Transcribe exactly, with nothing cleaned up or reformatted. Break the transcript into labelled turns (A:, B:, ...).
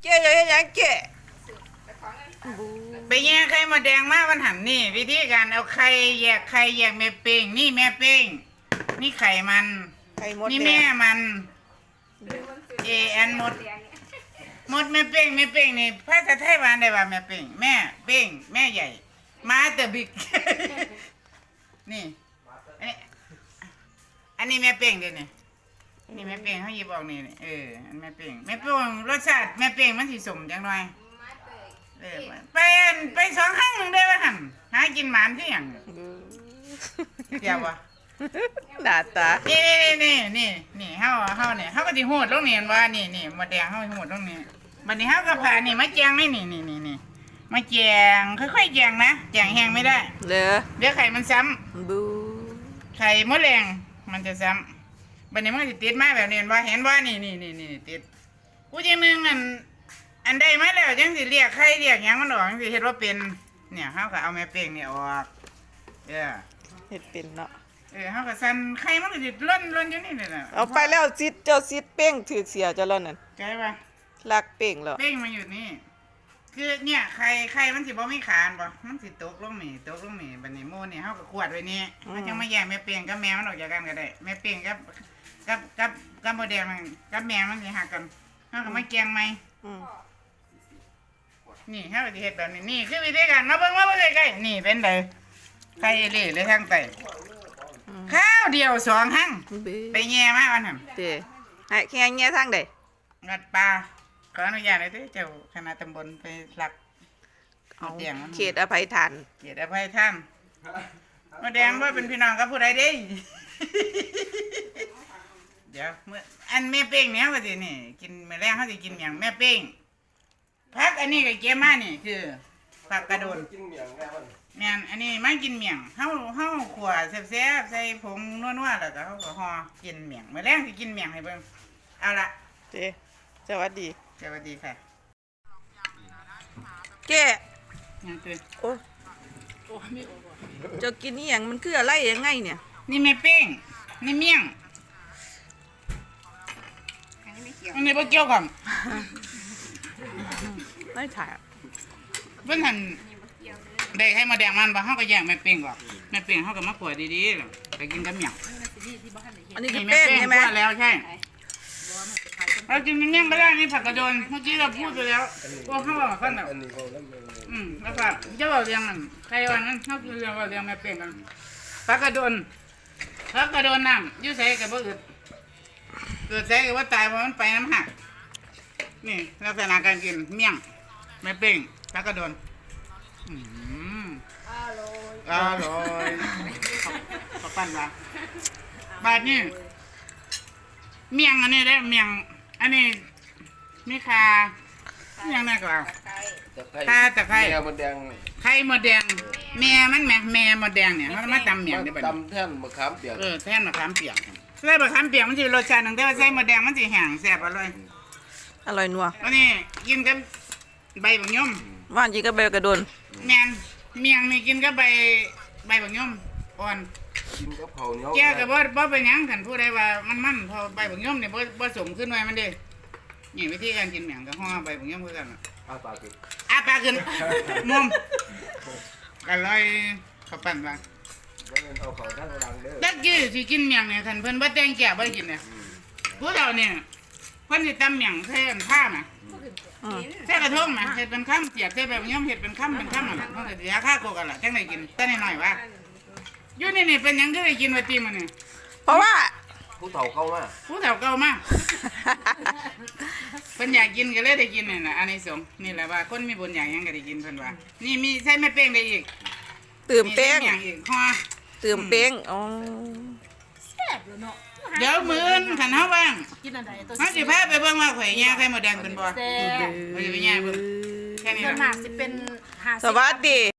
A: เจ๊จะเฮ็ดหยังเจ๊
B: ไปแยกไข่มดแดงมาวันหันนี่วิธีการเอาไข่แยกไข่แยกแม่เป้งนี่แม่เป้งนี่ไข่มัน
A: ไข่มด
B: นี่
A: แด
B: แม่
A: ง
B: มันเอแอนมดมดแม่เป้งแม่เป้งนี่ภาษาไทยว่าได้ว่าแม่เป้งแม่เป้งแม่ใหญ่มาเตอร์บิ๊ก นี่อันนี้อันนี้แม่เป้งเด้นี่นี่แม่เป้งเขาหยิบออกนี่เอออันแม่เป้งแม่เป้งรสชาติแม่เป้งมันสิสมจังหน่อยเออไปไปสองครั้งได้ว่าหั่นหากินหมานที่หยังเดียวบ่
A: หน้าตา
B: นี่นี่นี่นี่เฮาเฮาเนี่ยเฮาก็สิโหดลงนี่ว่านี่นี่มดแดงเฮาโหดลงนี่บัดนี้เฮาก็พานี่มาแจงนี่นี่นี่นี่นี่มาแจงค่อยๆแจงนะแจงแห้งไม่ได้
A: เหลือ
B: เดี๋ยวไข่มันซ้ำ
A: บู
B: ไข่มดแดงมันจะซ้ำบัดนี้มันก็สิติดมาแบบนี้บ่เห็นบ่นี่นี่นี่นี่ติดกูจังนึงอันอันใดมาแล้วจังสิเรียกไข่เรียกหยังมันออกจังสิเฮ็ดว่าเป็นเนี่ยเฮาก็เอาแม่เป้งนี่ออกเด้อ
A: เฮ็ดเป็นเนาะ
B: เออเฮาก็สั่นไข่มันก็สิล้นล้นอยู่นี่น่ะ
A: เอาไปแล้วซิดเจ้าซิดเป้งถือเสียเจ้าแล้วนั่น
B: ใช่ป่ะ
A: ลักเป้งแล้ว
B: เป้งมันอยู่นี่ คือเนี่ยไข่ไข่มันสิบ่มีขานบ่มันสิตกลงนี่ตกลงนี่บัดนี้โมนี่เฮาก็ขวดไว้นี่มันจังมาแยกแม่เป้งกับแม่มันออกจากกันก็ได้แม่เป้งกับกับกับกับโมเดลมันกับแม่มันสิหักกันเฮาก็มาแกงใหม่
A: อืม
B: นี่เฮาก็สิเฮ็ดแบบนี้นี่คือวิธีการมาเบิ่งมาเบิ่งใกล้ๆนี่เป็นไดไข่เอเล่เลยทางใต้ข้าวเดียวสองหั่ง
A: เบ้
B: ไปแย่มาวันนั้น
A: เด้ให้แค่แง่ทางใด
B: งัดปลาขออนุญาตเลยเด้อเจ้าคณะตำบลไปหลัก
A: เอา
B: มดแดงมัน
A: เขตอภัยทาน
B: เกียรติอภัยท่านมดแดงว่าเป็นพี่น้องกับผู้ใดเด้ เดี๋ยวเมื่ออันแม่เป้งเนี่ยว่าสินี่กินมื้อแรกเขาสิกินอย่างแม่เป้งพักอันนี้กับเกมานี่คือผักกระโดน
C: กินเมียงแม่มัน
B: แม่นอันนี้มากินเมี่ยงเฮาเฮาขั่วแซ่บๆใส่ผงนัวๆแล้วก็เฮาก็ห่อกินเมี่ยงมื้อแรกสิกินเมี่ยงให้เบิ่งเอาละ
A: เด้สวัสดี
B: สวัสดีค่ะ
A: เจ๊
B: ยังตื่น
A: โอ้เจ้ากินนี่หยังมันคืออะไรยังไงเนี่ย
B: นี่แม่เป้งนี่เมี่ยงอันนี้บ่เกี่ยวกัน
A: ไม่ถ่าย
B: เพิ่นหั่นได้ให้มาแดงมันบ่เฮาก็แยกแม่เป้งออกแม่เป้งเฮาก็มาขั่วดีๆแล้วไปกินกับเมี่ยง
A: อันนี้คือ
B: นี่แม่
A: เป้ง
B: เป้ง
A: ใช่ไหม
B: คั่วแล้วใช่เรากินเมี่ยงก็ได้นี่ผักกระโดนเมื่อกี้เราพูดไปแล้วว่าเฮาว่าคั่นน่ะ
C: อันนี้เขาแล้วมัน
B: อืมแล้วก็จะบอกเรียงมันใครวันนั้นเขาคือเรียงว่าเรียงแม่เป้งกันผักกระโดนผักกระโดนน้ำอยุ่ใส่กับบ่อึดเกิดใส่กับว่าตายเพราะมันไปน้ำหักนี่ลักษณะการกินเมี่ยงแม่เป้งผักกระโดนอืมอร่อยอร่อยขอบปั้นละบาดนี่เมี่ยงอันนี้ได้เมี่ยงอันนี้มีคาเมี่ยงน่าก็เอา ถ้าตะไคร้
C: แม่มันแดง
B: ไข่มดแดงแม่มันแม่แม่มดแดงเนี่ยเขามาตำเมี่ยงได้บ่
C: ตำแท่นมะขามเปียก
B: เออแทนมะขามเปียกใส่มะขามเปียกมันสิรสชาติหนึงแต่ว่าใส่มดแดงมันสิแห้งแซ่บอร่อย
A: อร่อยนัว
B: อันนี้กินกับใบบักยม
A: ว่านจีก็เบลกระโดน
B: แม่นเมี่ยงนี่กินกับใบใบบักยมอ่อน
C: กินกับข้าวเหนียว
B: แก่ก็บ่บ่เป็นหยังคันผู้ใดว่ามันมันเพอใบบักยมนี่บ่บ่สมขึ้นหน่อยมันเด้นี่วิธีการกินเมี่ยงก็ห่อใบบักยมคือกันน่ะ
C: อาปากกิน
B: อาปากขึ้นมุมอร่อยข้าวปั้นว่า
C: แล้วเงินเอาเขาท่านรังเด้อ
B: ตะกี้สิกินเมี่ยงเนี่ยคันเพิ่นบ่แต่งแก่บ่ได้กินเนี่ยผู้เฒ่าเนี่ยเพิ่นสิตำเมี่ยงใส่อันผ้าน่ะ
A: อืม
B: ใส่กระทงน่ะเฮ็ดเป็นค่ำเสียบใส่แบบย่อมเฮ็ดเป็นค่ำเป็นค่ำนั่นน่ะเพิ่นก็สิยาฆ่าโคกันล่ะจังได้กินแต่น้อยๆว่าอยู่นี่นี่เป็นหยังคือได้กินว่าติมันนี่
A: เพราะว่า
C: ผู้เฒ่าเข้ามา
B: ผู้เฒ่าเก่ามาเพิ่นอยากกินก็เลยได้กินนี่น่ะอันนี้สงส์นี่แหละว่าคนมีบุญอยากหยังก็ได้กินเพิ่นว่านี่มีใส่แม่เป้งได้อีก
A: ตื่มเป้ง
B: มีใส่มี่ยอีกห่อ
A: ตื่มเป้งอ๋อ
B: เดี๋ยวมื้ออื่นคันเฮาว่าง
D: กินอันใดตัว
B: เฮาสิพาไปเบิ่งว่าข่อยแย่ไข่มดแดงเป็นบ่
D: แซ่บ
B: เฮาสิไปแย่เบิ่งแค่นี้
D: ส่วน
B: ล่ะ
D: มากสิเป็นหา
A: สวัสดี